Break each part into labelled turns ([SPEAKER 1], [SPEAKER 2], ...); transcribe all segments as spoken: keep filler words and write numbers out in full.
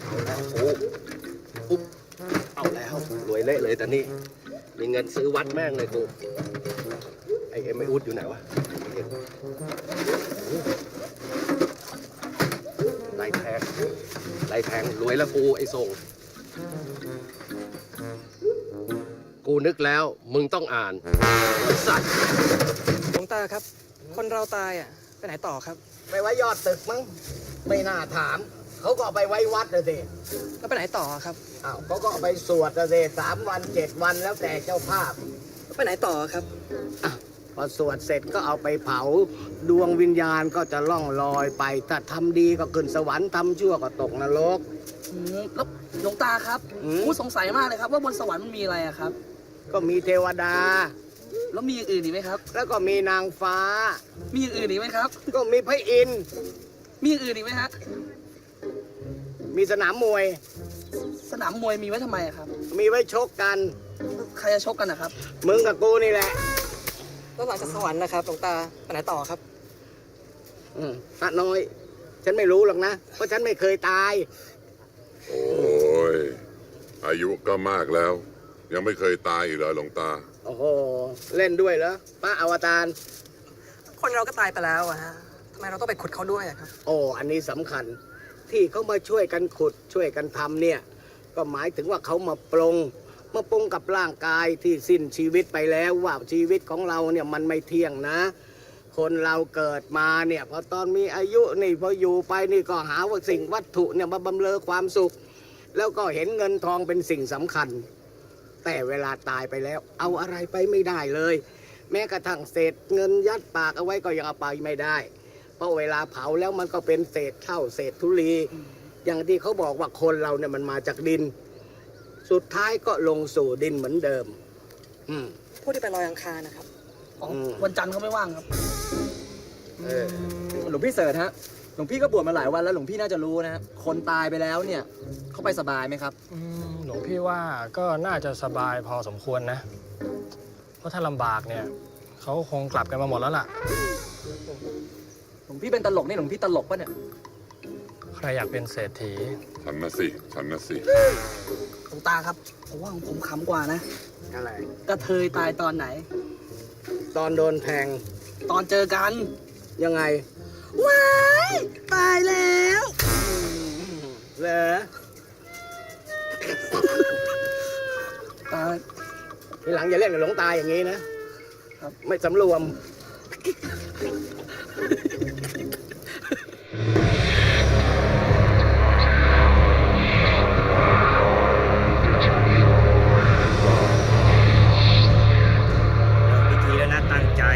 [SPEAKER 1] แล้วโอ้ปุ๊บเอาแล้วรวยเละเลยแต่นี่มีเงินซื้อวัดแม่งเลยกูไอเอ็มไออุดอยู่ไหนวะไล่แทงไล่แทงรวยแล้วกูไอส่งกูนึกแล้วมึงต้องอ่านสัตว์
[SPEAKER 2] หลวงตาครับ คนเราตายอ่ะไปไหนต่อครับ
[SPEAKER 3] ไปไว้ยอดตึกมั้งไม่น่าถามเขาก็เอาไปไว้วัดนะสิ
[SPEAKER 2] แล้วไปไหนต่อครับ
[SPEAKER 3] อ้าวเขาก็เอาไปสวดนะสิสามวันเจ็ดวันแล้วแต่เจ้าภาพ
[SPEAKER 2] แล้วไปไหนต่อครับ
[SPEAKER 3] อ่ะพอสวดเสร็จก็เอาไปเผาดวงวิญญาณก็จะล่องลอยไปถ้าทำดีก็ขึ้นสวรรค์ทำชั่วก็ตกนรก
[SPEAKER 2] อืมแล้วหลวงตาครับ
[SPEAKER 3] อืม
[SPEAKER 2] ผมสงสัยมากเลยครับ ว่าบนสวรรค์มันมีอะไรอะครับ
[SPEAKER 3] ก็มีเทวดา
[SPEAKER 2] แล้วมีอย่างอื่นอีกไหมครับ
[SPEAKER 3] แล้วก็มีนางฟ้า
[SPEAKER 2] มีอย่างอื่นอีกไหมครับ
[SPEAKER 3] ก็มีพระอินทร์
[SPEAKER 2] มีอย่างอื่นอีกไหมฮะ
[SPEAKER 3] มีสนามมวย
[SPEAKER 2] สนามมวยมีไว้ทำไมอะครับ
[SPEAKER 3] มีไว้ชกกัน
[SPEAKER 2] ใครจะชกกันนะครับ
[SPEAKER 3] มึงกับกูนี่แหละ
[SPEAKER 2] แล้วหลังจากสวรรค์นะครับหลวงตาไปไหนต่อครับ
[SPEAKER 3] อืมพระน้อย ฉันไม่รู้หรอกนะ เพราะฉันไม่เคยตาย
[SPEAKER 4] โอ้ย อายุก็มากแล้ว ยังไม่เคยตายอีกเหรอหลวงตา
[SPEAKER 3] โอ้โห เล่นด้วยเหรอพระอวตาร
[SPEAKER 2] คนเราก็ตายไปแล้วอะฮะทำไมเราต้องไปขุดเขาด้วยอะครับ
[SPEAKER 3] โอ้ อันนี้สำคัญ ที่เขามาช่วยกันขุดช่วยกันทำเนี่ย ก็หมายถึงว่าเขามาปรงมาปรงกับร่างกายที่สิ้นชีวิตไปแล้วว่าชีวิตของเราเนี่ยมันไม่เที่ยงนะ คนเราเกิดมาเนี่ยพอตอนมีอายุนี่พออยู่ไปนี่ก็หาว่าสิ่งวัตถุเนี่ยมาบำเรอความสุข แล้วก็เห็นเงินทองเป็นสิ่งสำคัญ แต่เวลาตายไปแล้ว เอาอะไรไปไม่ได้เลย แม้กระทั่งเศษเงินยัดปากเอาไว้ก็ยังเอาไปไม่ได้ เพราะเวลาเผาแล้วมันก็เป็นเศษเท่าเศษธุลี อย่างที่เขาบอกว่าคนเราเนี่ยมันมาจากดิน สุดท้ายก็ลงสู่ดินเหมือนเดิม อืม
[SPEAKER 2] ผู้ที่ไปลอยอังคารนะครับอ๋ออ
[SPEAKER 3] ม
[SPEAKER 2] วันจันทร์เขาไม่ว่างครับ
[SPEAKER 3] เออ
[SPEAKER 5] หลวงพี่เสิร์ชฮะ หลวงพี่ก็บวชมาหลายวันแล้วหลวงพี่น่าจะรู้นะฮะ คนตายไปแล้วเนี่ยเขาไปสบายไหมครับ
[SPEAKER 6] อืมหลวงพี่ว่าก็น่าจะสบายพอสมควรนะ เพราะถ้าลำบากเนี่ยเขาคงกลับกันมาหมดแล้วล่ะ
[SPEAKER 5] หลวงพี่เป็นตลกนี่หลวงพี่ตลกปะเนี่ย
[SPEAKER 6] ใครอยากเป็นเศรษฐี
[SPEAKER 4] ฉันนะสิฉันนะสิ
[SPEAKER 2] หลวงตาครับผมว่าของผมขำกว่านะ
[SPEAKER 3] อะไร
[SPEAKER 2] กระเทยตายตอนไหน
[SPEAKER 3] ตอนโดนแทง
[SPEAKER 2] ตอนเจอกัน
[SPEAKER 3] ยังไง
[SPEAKER 2] ว้ายตายแล้ว
[SPEAKER 3] เหรอ
[SPEAKER 2] ตาย
[SPEAKER 3] ทีหลังอย่าเล่นกับหลวงตาอย่างนี้นะ ไม่สำรวม
[SPEAKER 7] พิธีแล้วนะตั้งใจ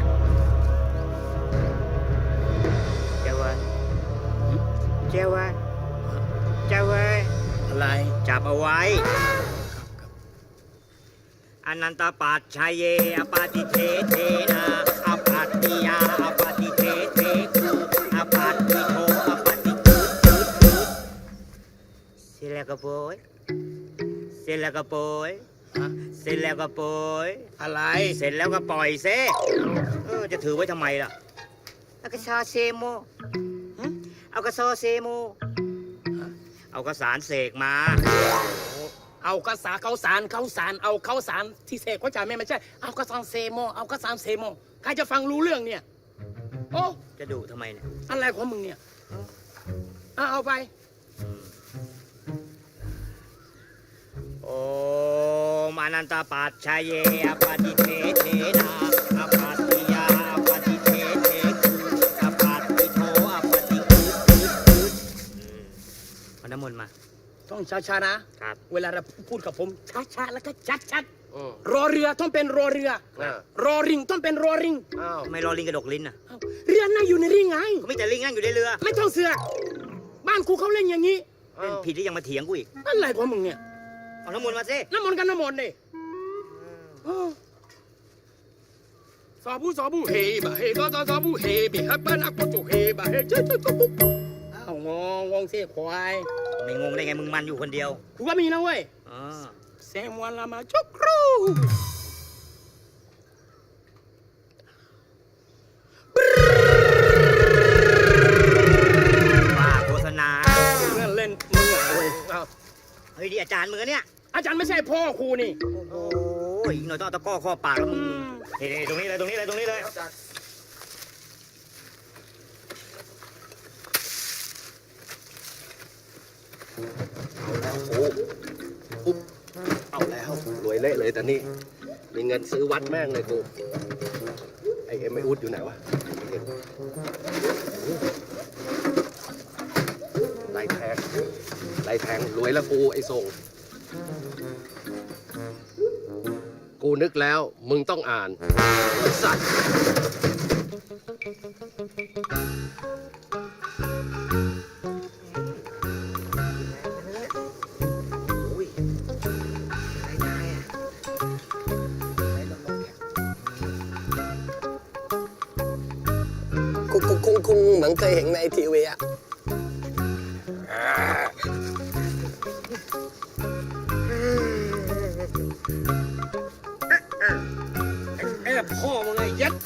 [SPEAKER 7] เจ้าเว้ยเจ้าเว้ยเจ้าเว้ย
[SPEAKER 3] อะไร
[SPEAKER 7] จับเอาไว้อนันตปัจชัยเยอปาติเทเทนาอปัตติยาอปาติเทเทคูอปัตติโทอปาติคูคูคูเสร็จแล้วก็โปยเสร็จแล้วก็โปยเสร็จแล้วก็โปย
[SPEAKER 3] อะไร
[SPEAKER 7] เสร็จแล้วก็ปล่อยเซเออจะถือไว้ทำไมล่ะเอากระซอเซโมหึเอากระซอเซโมเอากระสารเสกมา
[SPEAKER 8] เอากระสาเขาสารเขาสารเอาเขาสารที่เสกเขาจ่ายไม่ไม่ใช่เอากระสานเซโมเอากระสานเซโมใครจะฟังรู้เรื่องเนี่ยโอ้
[SPEAKER 7] จะดุทำไมเนี่ย
[SPEAKER 8] อะไรของมึงเนี่ยเอาเอาไป
[SPEAKER 7] โอมอนันตปัจชัยเยอปาติเทเทนาอปัตติยาอปาติเทเทคูอปัตติโทอปาติคูคูคูอืมเอาน้ำมนต์มา
[SPEAKER 8] ต้องช้าๆนะ
[SPEAKER 7] ครับ
[SPEAKER 8] เวลาเราพูดกับผมช้าๆแล้วก็ชัด
[SPEAKER 1] อืม
[SPEAKER 8] ๆรอเรือต้องเป็นรอเรือ
[SPEAKER 1] อ่าร
[SPEAKER 8] อริงต้องเป็นรอริง
[SPEAKER 1] อ้าว
[SPEAKER 7] ทำไมรอลิงกระดกลิ้นอ่ะ
[SPEAKER 8] เอ้าเรือนั่งอยู่ในริงไง
[SPEAKER 7] ก็มีแต่ลิงนั่งอยู่ในเรือ
[SPEAKER 8] ไม่ต้องเสือกบ้านกูเขาเล่นอย่างนี้
[SPEAKER 7] เล่นผิดที่ยังมาเถียงกูอีก
[SPEAKER 8] อะไรของมึงเนี่ย
[SPEAKER 7] เอาน้ำมนต์มาสิ
[SPEAKER 8] น้ำมนต์กันน้ำมนต์ดิเออสาบูสาบูเฮบะเฮซาซาซาบูเฮบิฮับบ้านอักโตเฮบะเฮเจ๊เจ๊เจ๊ปุ๊บอ้าวงงงงเสียควาย
[SPEAKER 7] ไม่งงได้ไงมึงมันอยู่คนเดียว
[SPEAKER 8] กูก็มีนะเว้ย
[SPEAKER 7] อ๋อ
[SPEAKER 8] เซมวันละมาจุกครู
[SPEAKER 7] ว่าโฆษณา
[SPEAKER 8] เล่นเล่นมึงอะเอา
[SPEAKER 7] เฮ้ยดิอาจารย์มือเนี่ย
[SPEAKER 8] อาจารย์ไม่ใช่พ่อครูนี่
[SPEAKER 7] โอ้ยอีกหน่อยต้องเอาตะกร้อข้อปากแล้วมึงเฮ้ยๆตรงนี้เลยตรงนี้เลยตรงนี้เลย
[SPEAKER 1] โอ้ปุ๊บเอาแล้วรวยเละเลยแต่นี่มีเงินซื้อวัดแม่งเลยกูไอเอ็มไออุดอยู่ไหนวะไล่แทงไล่แทงรวยแล้วกูไอส่งกูนึกแล้วมึงต้องอ่านไอ้สัตว์
[SPEAKER 3] คงคงคงคงเหมือนเคยเห็นในทีวีอะ
[SPEAKER 8] แอบพ่อมึงไงยัด